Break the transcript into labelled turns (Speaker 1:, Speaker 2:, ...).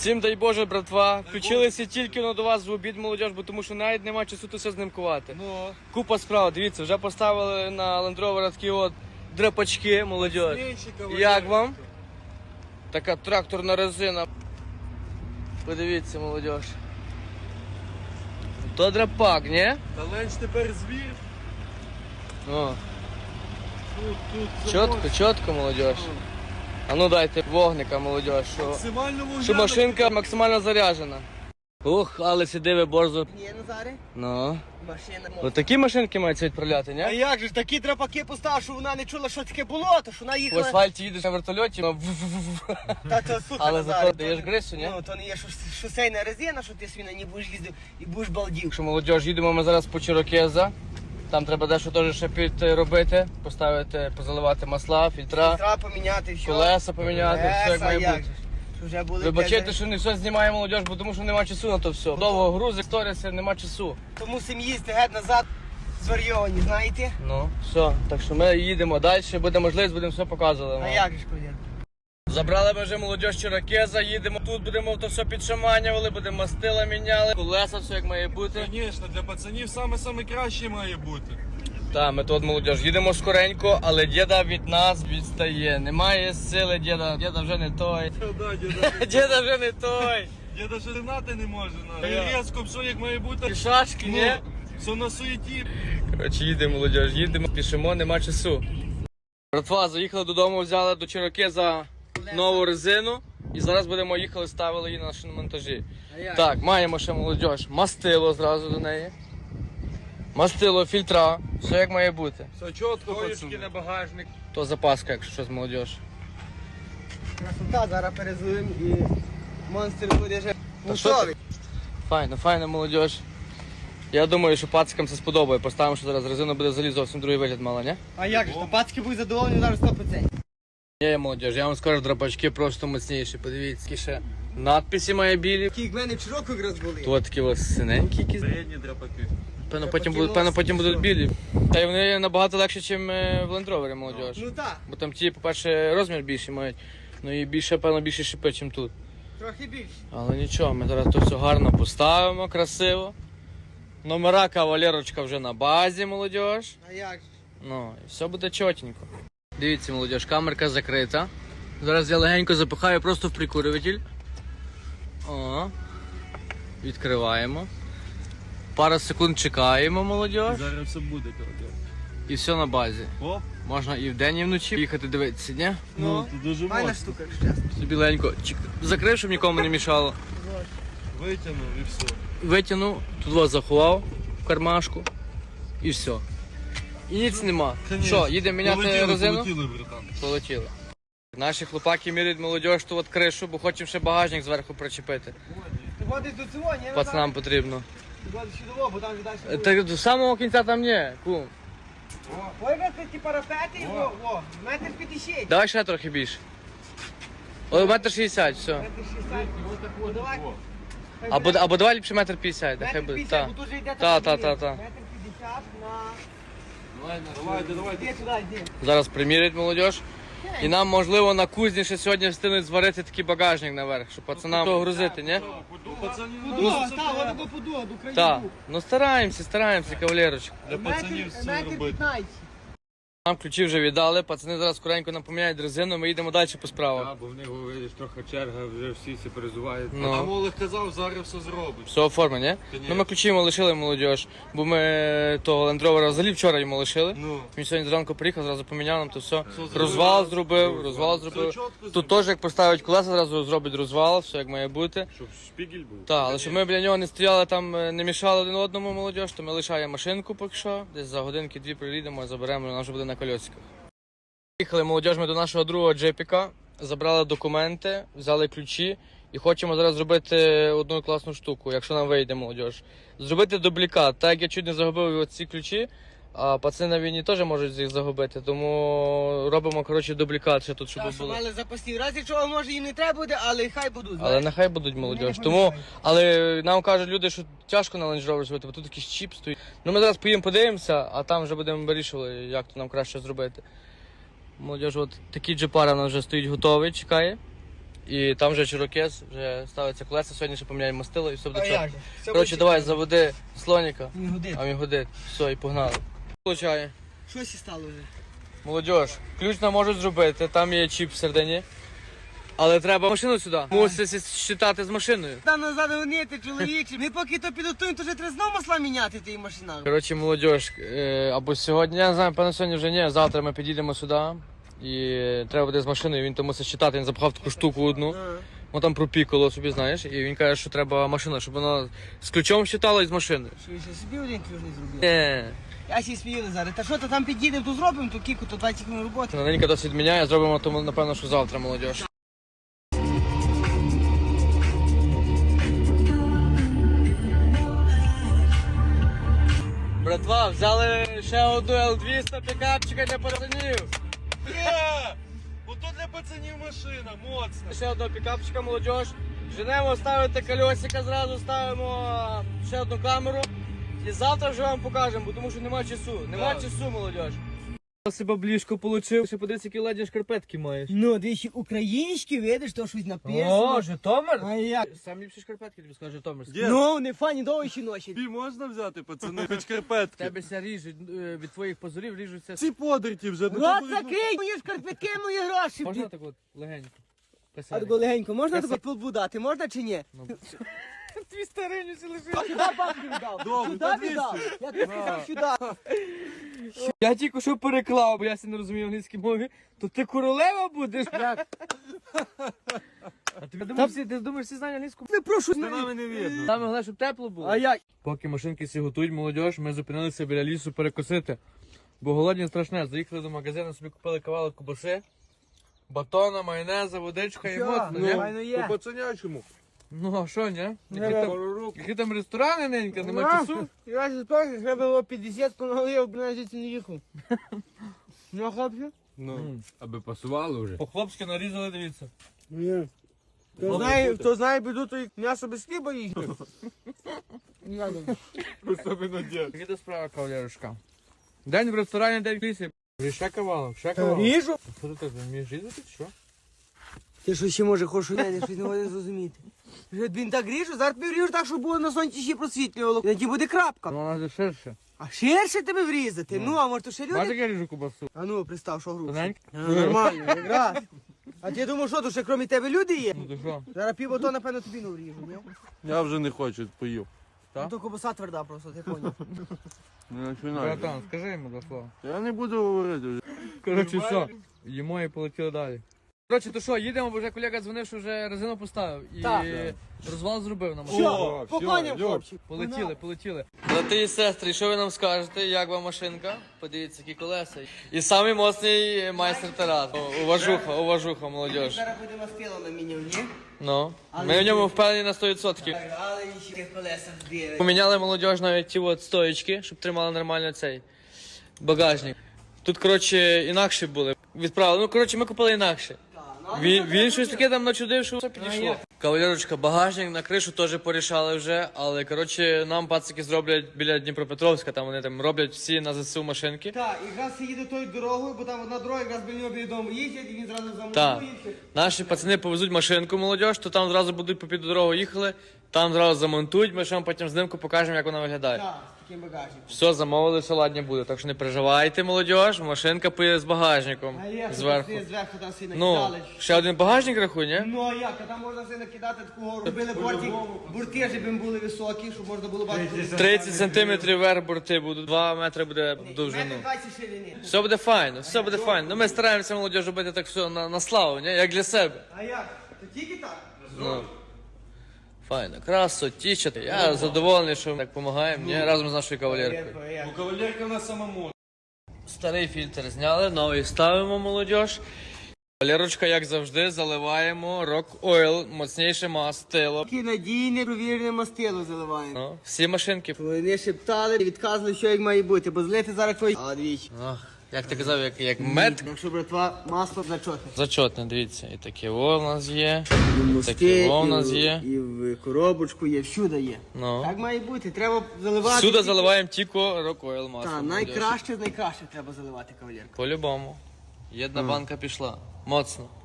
Speaker 1: Всім дай Боже, братва. Включилися тільки до вас в обід, молодіж, бо тому що навіть нема часу тут все знімкувати. Купа справ, дивіться, вже поставили на Land Rover такі от драпачки, молодіж. Як вам? Така тракторна резина. Подивіться, молодіж. То драпак, ні?
Speaker 2: Та ленч тепер звір.
Speaker 1: О.
Speaker 2: Тут
Speaker 1: Чітко, молодіж. А ну дайте вогника, молодіж, що машинка максимально заряджена. Ух, але сидиве борзо.
Speaker 3: Ні, Назаре,
Speaker 1: Ну.
Speaker 3: машина
Speaker 1: Ось такі машинки мають відправляти, ні?
Speaker 3: А як же ж такі драпаки поставив, що вона не чула, що таке болото, що вона
Speaker 1: В
Speaker 3: їхала.
Speaker 1: асфальті їдеш на вертольоті,
Speaker 3: Та це слухай,
Speaker 1: але
Speaker 3: Назаре,
Speaker 1: зато даєш грису, ні?
Speaker 3: Ну, то не є шосейна резина, що ти собі на ній будеш їздив і будеш балдів.
Speaker 1: Що, молодіж, їдемо ми зараз по Чирокеза. Там треба дещо теж ще підробити, поставити, позаливати масла, фільтра,
Speaker 3: Треба поміняти все.
Speaker 1: колеса поміняти, все як має
Speaker 3: як
Speaker 1: бути.
Speaker 3: же ж. Що вже були
Speaker 1: Вибачайте,
Speaker 3: блядь,
Speaker 1: що не все знімає молодіж, бо тому що нема часу на то все. Довго грузи, сторіси, нема часу.
Speaker 3: то мусимо їсти геть назад зварйовані, знаєте?
Speaker 1: Ну, все, так що ми їдемо далі, буде можливість, будемо все показувати.
Speaker 3: А як же ж, колір?
Speaker 1: Забрали ми вже молодіж Чирокеза, їдемо тут, будемо то все підшаманювали, будемо мастила міняли, колеса, все як має бути.
Speaker 2: Звісно, для пацанів саме краще має бути.
Speaker 1: Так, ми тут молодіж, їдемо скоренько, але діда від нас відстає. Немає сили, діда вже не той.
Speaker 2: Да, діда.
Speaker 1: Діда вже не той.
Speaker 2: Діда ще ринати не може.
Speaker 1: Я.
Speaker 2: І різко, все як має бути.
Speaker 1: Пішашки, ні?
Speaker 2: Все на суєті.
Speaker 1: Коротше, їдемо, молодіж, їдемо, пішемо, нема часу. Братва, заїхали додому, взяли до Чирокеза нову резину. І зараз будемо їхали, ставили її на шиномонтажі. Так, маємо ще молодіж, мастило зразу до неї. Мастило, фільтра, все як має бути.
Speaker 2: Все чітко, пацани.
Speaker 3: на багажник.
Speaker 1: То запаска, якщо щось молодіж.
Speaker 3: Красота, зараз перезуємо і монстр буде вже
Speaker 1: що
Speaker 3: готовий.
Speaker 1: Файно, молодіж. Я думаю, що пацикам це сподобає. Поставимо, що зараз резина буде взагалі зовсім другий вигляд мала, ні?
Speaker 3: А як же, то пацки будуть задоволені зараз 100%.
Speaker 1: Ні, молодіж, я вам скажу, драпачки просто міцніші. Подивіться, які ще надписи має білі.
Speaker 3: Такі в мене вчора якраз були.
Speaker 1: Тут такі ось синенькі якісь.
Speaker 2: Середні драпаки.
Speaker 1: Певно, потім будуть білі. Та й вони набагато легше, ніж в Land Rover, молодіж.
Speaker 3: Ну так,
Speaker 1: Бо там ті, по-перше, розмір більший мають. Ну і більше, певно, більше шипи, ніж тут.
Speaker 3: трохи більше.
Speaker 1: Але нічого, ми зараз то все гарно поставимо, красиво. Номера кавалерочка вже на базі, молодіж.
Speaker 3: А як же?
Speaker 1: Ну, і все буде чотенько. Дивіться, молодіж, камерка закрита. Зараз я легенько запихаю просто в прикурюватель. О, відкриваємо. Пару секунд чекаємо, молодіж.
Speaker 2: Зараз все буде, коротко.
Speaker 1: І все на базі.
Speaker 2: Оп.
Speaker 1: Можна і вдень, і вночі їхати дивитися, ні?
Speaker 3: Ну,
Speaker 2: це дуже
Speaker 3: файна
Speaker 2: моцно.
Speaker 3: штука, якщо чесно.
Speaker 1: Собі легенько закрив, щоб нікому не мішало.
Speaker 2: Витягнув і все.
Speaker 1: Витягнув, тут вас заховав в кармашку і все. І ніц нема. Що, їдемо міняти резину?
Speaker 2: Полетіли, братан.
Speaker 1: Полетіли. Наші хлопаки міряють молодіж ту от кришу, бо хочемо ще багажник зверху причепити.
Speaker 3: Ти ходиш до цього, ні?
Speaker 1: Пацанам потрібно.
Speaker 3: Ти ходиш сюди, бо там віддасть.
Speaker 1: Так до самого кінця там ні, кум.
Speaker 3: Ой, ви ті парапети, во, метр 50.
Speaker 1: Давай ще трохи більше. О, метр 60, все.
Speaker 3: Метр 60. Давай.
Speaker 1: Або давай ліпше метр 50,
Speaker 3: Метр
Speaker 1: нехай буде.
Speaker 3: 50, бо тут же йде
Speaker 1: Та.
Speaker 3: Метр 50 на...
Speaker 2: Давайте.
Speaker 3: Іди сюди, йди.
Speaker 1: Зараз примірять молодіж. І нам, можливо, на кузні ще сьогодні встигнуть зварити такий багажник наверх, щоб пацанам того грузити, ні?
Speaker 2: Пацанів
Speaker 3: Подуга, та, воно по подуга, до країни.
Speaker 1: Так. Ну стараємося, кавалерочка.
Speaker 2: Для пацанів все
Speaker 3: Метр
Speaker 2: робити.
Speaker 3: 15.
Speaker 1: Нам ключі вже віддали, пацани зараз скоренько нам поміняють резину, ми їдемо далі по справах.
Speaker 4: Так, бо в них, видиш, трохи черга, вже всі всі перезувають.
Speaker 2: Там
Speaker 1: Ну,
Speaker 2: Олег казав, зараз все зробить.
Speaker 1: все оформлено, ні? Ну ми ключі йому лишили, молодіж, бо ми того Land Rover взагалі вчора йому лишили.
Speaker 2: Ну.
Speaker 1: Він сьогодні зранку приїхав, зразу поміняв нам то все.
Speaker 2: зробив?
Speaker 1: Розвал зробив.
Speaker 2: Все чітко
Speaker 1: Тут теж як поставить колеса, зразу зробить розвал, все як має бути.
Speaker 4: Щоб шпігель був.
Speaker 1: Так, але щоб ми біля нього не стояли там, не мішали один одному молодіж, то ми лишаємо машинку поки що. Десь за годинки-дві приїдемо, заберемо, вона вже буде на кольосиках. Їхали молодіж ми до нашого другого джипіка, забрали документи, взяли ключі і хочемо зараз зробити одну класну штуку, якщо нам вийде молодіж. Зробити дублікат. Так як я чуть не загубив ці ключі, а пацани на війні теж можуть їх загубити, тому робимо, коротше, дублікат ще тут, щоб
Speaker 3: Так, що
Speaker 1: було.
Speaker 3: мали запасні. Раз, якщо може їм не треба буде, але хай будуть.
Speaker 1: Але
Speaker 3: знаєш.
Speaker 1: нехай будуть молодіж.
Speaker 3: Не
Speaker 1: Тому,
Speaker 3: пам'ятаю.
Speaker 1: але нам кажуть люди, що тяжко на Land Rover зробити, бо тут якийсь чіп стоїть. Ну ми зараз поїмо, подивимося, а там вже будемо вирішувати, як то нам краще зробити. Молодіж, от такі джипари у нас вже стоїть готовий, чекає. І там вже чирокез, вже ставиться колеса, сьогодні ще поміняємо мастило і все буде
Speaker 3: А
Speaker 1: чітко.
Speaker 3: як же? Все
Speaker 1: Коротше,
Speaker 3: буде
Speaker 1: давай, заводи слоніка,
Speaker 3: Не годин.
Speaker 1: а він годить. Все, і погнали. Получає.
Speaker 3: Щось і стало вже.
Speaker 1: Молодіж, ключ нам можуть зробити, там є чіп всередині. Але треба машину сюди. Мусить считати з машиною.
Speaker 3: Там назад гонити, чоловічі. Ми поки то підготуємо, то вже треба знову масла міняти тій машинах.
Speaker 1: Коротше, молодіж, або сьогодні, я не знаю, певно сьогодні вже ні, завтра ми підійдемо сюди. І треба буде з машиною, він то мусить считати, він запхав таку штуку одну. Воно там пропікало собі, знаєш, і він каже, що треба машина, щоб воно з ключом считало і з машиною.
Speaker 3: Що, ще собі один ключ не зробив?
Speaker 1: Ні.
Speaker 3: Я ще сміяли зараз. Та що, то там підійдемо, то зробимо, то кіку, то 20 хвилин роботи.
Speaker 1: Ненька досить міняє, зробимо тому, напевно, що завтра, молодіж. Братва, взяли ще одну L200 пікапчика для пацанів.
Speaker 2: Є! Ото для пацанів машина, моцна.
Speaker 1: Ще одного пікапчика, молодіж. Женемо ставити кольосика, зразу ставимо ще одну камеру. І завтра вже вам покажемо, бо тому що нема часу. Нема
Speaker 2: Так.
Speaker 1: часу, молодіж. Себе бліжко получив. Ще подивись, які ледні шкарпетки маєш.
Speaker 3: Ну, двічі українські, видиш, то щось написано.
Speaker 1: Житомир?
Speaker 3: А як?
Speaker 1: Самі ліпші шкарпетки, тобі скажу, Житомирські.
Speaker 2: Є.
Speaker 3: Ну, не фані, довші ночі.
Speaker 2: Тобі можна взяти, пацани, хоч карпетки.
Speaker 1: Тебе ся ріжуть, від твоїх позорів ріжуться.
Speaker 2: Ці подерті вже.
Speaker 3: Рот закрий, мої шкарпетки, мої гроші.
Speaker 1: Можна так от легенько?
Speaker 3: А тако легенько, можна тако подбудати, можна чи ні?
Speaker 1: Твій стариню си лежить.
Speaker 3: Сюди бабки віддав.
Speaker 2: Добре,
Speaker 3: Сюди
Speaker 2: подивися.
Speaker 3: віддав. Я тобі сказав сюди.
Speaker 1: Я тільки що переклав, бо я не розумію англійській мові. То ти королева будеш? Як? А ти думаєш, всі знають англійську?
Speaker 3: Не прошу.
Speaker 2: Нами не видно.
Speaker 1: Саме головне, щоб тепло було.
Speaker 3: А як?
Speaker 1: Поки машинки всі готують, молодіж, ми зупинилися біля лісу перекусити. Бо голодні страшне. Заїхали до магазину, собі купили кавалок кубаси, батона, майонеза, водичка і моцно, ні?
Speaker 3: Файно є.
Speaker 2: По-пацанячому.
Speaker 1: Ну а що, ні?
Speaker 2: Пару рук.
Speaker 1: Які там ресторани, ненька, нема часу?
Speaker 3: Я ж теж треба було 50 на голові, б навіть звідси не їхав. Ну, хлопці?
Speaker 4: Ну, аби пасувало вже.
Speaker 1: По-хлопськи нарізали, дивіться.
Speaker 3: Ні. Хто знає біду, то і м'ясо без хліба їсть.
Speaker 2: Особливо дід.
Speaker 1: Які до справа, кавалерушка? День в ресторані, день в лісі. Ще кавалок, ще кавалок.
Speaker 3: Ріжу?
Speaker 1: Що ти так вмієш різати, чи що?
Speaker 3: Ти що ще може хочеш, я щось не можу зрозуміти. Вже він так ріжу, зараз тобі вріжу так, щоб було на сонці ще просвітлювало. Тоді буде крапка.
Speaker 1: Ну, вона вже ширше.
Speaker 3: А ширше тебе врізати? Ну, а може то ще
Speaker 1: Бачиш,
Speaker 3: люди?
Speaker 1: як я ріжу кубасу?
Speaker 3: А ну, пристав, що грубо.
Speaker 1: Тоненько?
Speaker 3: Нормально, якраз. А ти думав, що, то ще крім тебе люди є?
Speaker 1: Ну, то що?
Speaker 3: Зараз пів ото, напевно, тобі не вріжу, ні?
Speaker 2: Я вже не хочу, поїв.
Speaker 3: Ну, то кобаса тверда просто, ти поняв.
Speaker 2: Не починай.
Speaker 1: Братан, скажи йому до слова.
Speaker 2: Я не буду говорити вже.
Speaker 1: Коротше, що? Їмо і полетіли далі. Коротше, то що, їдемо, бо вже колега дзвонив, що вже резину поставив. І
Speaker 3: Так.
Speaker 1: розвал зробив на машині.
Speaker 3: Що, по коням, хлопчик.
Speaker 1: Полетіли. Брати і сестри, що ви нам скажете, як вам машинка? Подивіться, які колеса. І самий моцний майстер Тарас. Уважуха, молодіж.
Speaker 3: Зараз буде мастило на мінімум, ні?
Speaker 1: Ну, ми в ньому впевнені на 100%.
Speaker 3: Але ще колеса збили.
Speaker 1: Поміняли молодіж навіть ті от стоїчки, щоб тримали нормально цей багажник. Тут, коротше, інакше були. Відправили. Ну, коротше, ми купили інакше. Він щось таке там начудив, що все підійшло. Кавалерочка, багажник на кришу теж порішали вже, але коротше нам пацики зроблять біля Дніпропетровська, там вони там роблять всі на ЗСУ машинки.
Speaker 3: Так, якраз їде тою дорогою, бо там одна дорога, якраз біля нього біля дому їздять, і він зразу
Speaker 1: Так.
Speaker 3: замовує.
Speaker 1: Наші пацани повезуть машинку молодіж, то там зразу будуть по під дорогу їхали, там зразу замонтують, ми ще вам потім знімку покажемо, як вона виглядає.
Speaker 3: Так, з таким багажником.
Speaker 1: Все, замовили, все ладні буде, так що не переживайте, молодіж, машинка поїде з багажником
Speaker 3: А як
Speaker 1: зверху.
Speaker 3: зверху там всі
Speaker 1: Ну,
Speaker 3: накидали.
Speaker 1: ще один багажник рахуй, ні?
Speaker 3: Ну а як? А там можна все накидати таку гору. Робили бурти, щоб їм були високі, щоб можна було бачити.
Speaker 1: 30 сантиметрів вверх борти будуть, 2 метри буде довжину.
Speaker 3: Метр 20 ширини.
Speaker 1: Все буде файно, все буде файно. Ну ми стараємося молодіж робити так все на славу, ні? Як для себе.
Speaker 3: А як? То тільки так?
Speaker 1: Ну. Файно, красотічати. Я задоволений, що ми так допомагаємо, ні? Разом з нашою кавалеркою.
Speaker 3: А як?
Speaker 2: Ну, кавалерка на самому.
Speaker 1: Старий фільтр зняли, новий ставимо, молодіж. Кавалерочка, як завжди, заливаємо Rock Oil, моцніше мастило.
Speaker 3: Такі надійне, провірене мастило заливаємо.
Speaker 1: Ну, всі машинки.
Speaker 3: Вони шептали, відказували, що як має бути, бо злити зараз твої... А, двічі.
Speaker 1: Ах, як ти казав, як мед.
Speaker 3: Так що, братва, масло зачотне.
Speaker 1: Зачотне, дивіться, і таке во в нас є.
Speaker 3: І в мости,
Speaker 1: Таке во в нас є.
Speaker 3: і в коробочку є, всюди є.
Speaker 1: Ну.
Speaker 3: Так має бути, треба заливати.
Speaker 1: Всюди заливаємо тільки Rock Oil масло.
Speaker 3: Так,
Speaker 1: молодіж.
Speaker 3: найкраще з найкращих треба заливати, кавалерка.
Speaker 1: По-любому. Єдна банка пішла. Моцно.